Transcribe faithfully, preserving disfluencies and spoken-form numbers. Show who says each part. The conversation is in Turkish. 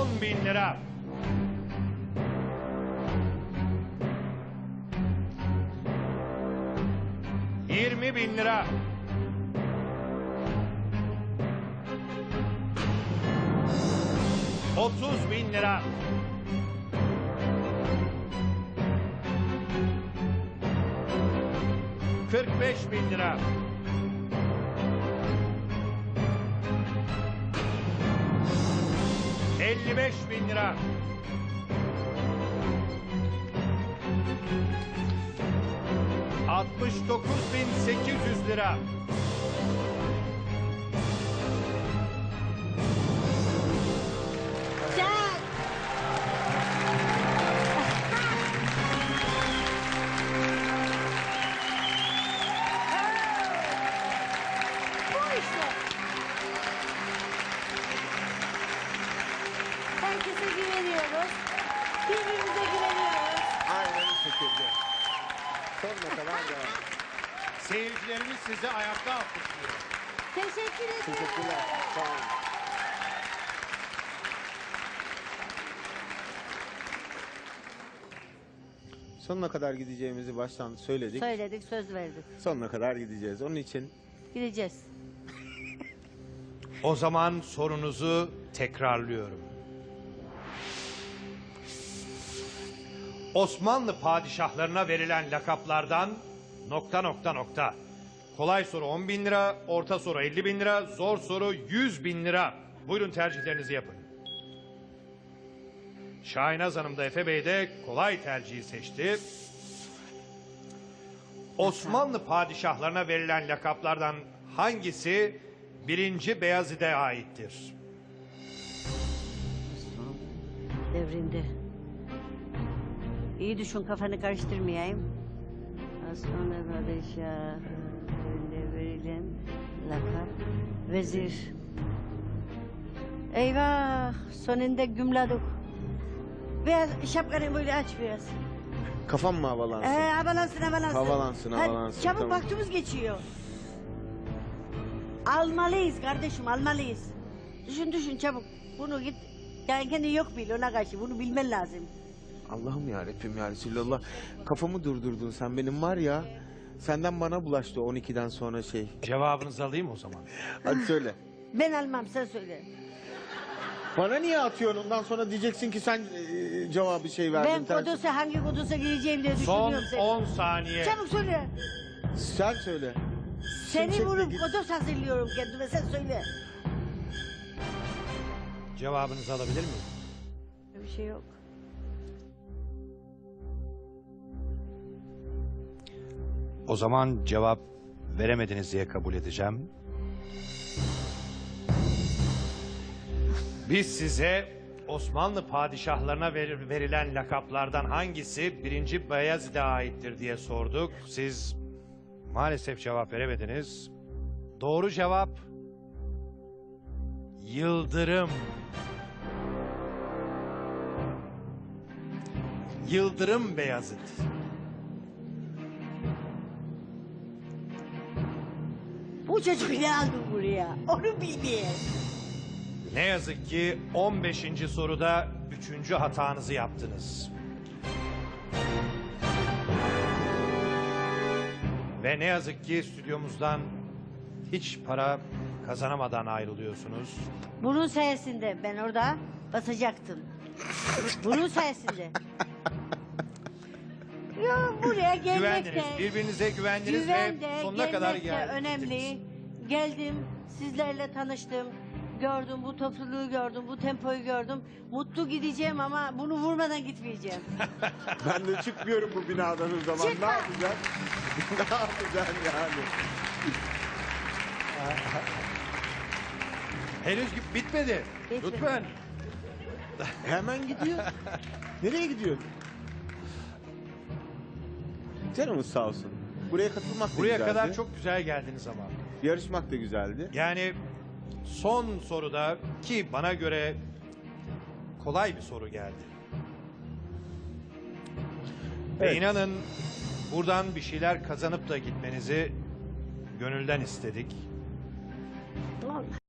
Speaker 1: on bin lira. yirmi bin lira. otuz bin lira. kırk beş bin lira. elli beş bin lira. altmış dokuz bin sekiz yüz lira.
Speaker 2: Sen. Bu işte. Herkese güveniyoruz. Birbirimize güveniyoruz.
Speaker 3: Aynen bu şekilde. Sonuna kadar devam.
Speaker 1: Seyircilerimiz sizi ayakta alkışlıyor.
Speaker 2: Teşekkür ederim.
Speaker 3: Teşekkürler. Sağ olun. Sonuna kadar gideceğimizi baştan söyledik.
Speaker 2: Söyledik, söz verdik.
Speaker 3: Sonuna kadar gideceğiz. Onun için
Speaker 2: Gideceğiz.
Speaker 1: O zaman sorunuzu tekrarlıyorum. Osmanlı padişahlarına verilen lakaplardan nokta nokta nokta. Kolay soru on bin lira, orta soru elli bin lira, zor soru yüz bin lira. Buyurun tercihlerinizi yapın. Şahinaz Hanım da Efe Bey de kolay tercihi seçti. Osmanlı padişahlarına verilen lakaplardan hangisi birinci Beyazıt'a aittir?
Speaker 2: Osman devrinde. İyi düşün, kafanı karıştırmayayım. Osmanlı padişahı devrinde verilen lakap vezir. Eyvah, sonunda gümladık. Biraz şapkanı böyle aç biraz.
Speaker 3: kafam mı havalansın?
Speaker 2: Ee, havalansın havalansın.
Speaker 3: Havalansın,
Speaker 2: Hadi,
Speaker 3: havalansın,
Speaker 2: çabuk
Speaker 3: tamam.
Speaker 2: vaktimiz geçiyor. Almalıyız kardeşim, almalıyız. Düşün düşün çabuk. Bunu git. Yani kendi yok bil ona karşı. Bunu bilmen lazım.
Speaker 3: Allah'ım ya Rabbim ya Resulallah. Kafamı durdurdun sen benim var ya. Senden bana bulaştı on ikiden sonra şey.
Speaker 1: Cevabınızı alayım o zaman.
Speaker 3: Hadi söyle.
Speaker 2: Ben almam, sen söyle.
Speaker 3: Bana niye atıyorsun? Ondan sonra diyeceksin ki sen e, cevabı şey verdin.
Speaker 2: Ben
Speaker 3: tersi.
Speaker 2: Kodos'a hangi Kodos'a gireceğim diye
Speaker 1: Son
Speaker 2: düşünüyorum seni.
Speaker 1: on saniye.
Speaker 2: Çabuk söyle.
Speaker 3: Sen söyle.
Speaker 2: Seni
Speaker 3: Şimşekle
Speaker 2: vurup
Speaker 3: git.
Speaker 2: Kodos hazırlıyorum kendime, sen söyle.
Speaker 1: Cevabınızı alabilir miyim?
Speaker 2: Bir şey yok.
Speaker 1: O zaman cevap veremediniz diye kabul edeceğim. Biz size Osmanlı padişahlarına ver- verilen lakaplardan hangisi birinci Beyazıt'a aittir diye sorduk. Siz maalesef cevap veremediniz. Doğru cevap Yıldırım. Yıldırım Beyazıt.
Speaker 2: Bu çocuk ne aldı buraya? Onu bilmeyen.
Speaker 1: Ne yazık ki on beşinci soruda üçüncü hatanızı yaptınız. Ve ne yazık ki stüdyomuzdan hiç para kazanamadan ayrılıyorsunuz.
Speaker 2: Bunun sayesinde ben orada basacaktım. Bunun sayesinde. Ya buraya gelmek
Speaker 1: Güvendiniz,
Speaker 2: de,
Speaker 1: birbirinize güvendiniz
Speaker 2: güven
Speaker 1: ve
Speaker 2: de,
Speaker 1: sonuna kadar
Speaker 2: gelmek de
Speaker 1: geldiniz.
Speaker 2: önemli. Geldim, sizlerle tanıştım. Gördüm, bu topluluğu gördüm, bu tempoyu gördüm. Mutlu gideceğim ama bunu vurmadan gitmeyeceğim.
Speaker 3: Ben de çıkmıyorum bu binadan o zaman.
Speaker 2: Çıkma.
Speaker 3: Ne yapacaksın? ne yapacaksın yani?
Speaker 1: Henüz bitmedi.
Speaker 2: Bitmedi.
Speaker 1: Lütfen.
Speaker 3: Hemen gidiyor. Nereye gidiyor? Canımız sağ olsun. Buraya katılmak da
Speaker 1: Buraya
Speaker 3: güzeldi.
Speaker 1: kadar çok güzel geldiniz ama.
Speaker 3: Yarışmak da güzeldi.
Speaker 1: Yani son soruda ki bana göre kolay bir soru geldi. Ve
Speaker 3: Evet.
Speaker 1: inanın buradan bir şeyler kazanıp da gitmenizi gönülden istedik.
Speaker 2: Tamam.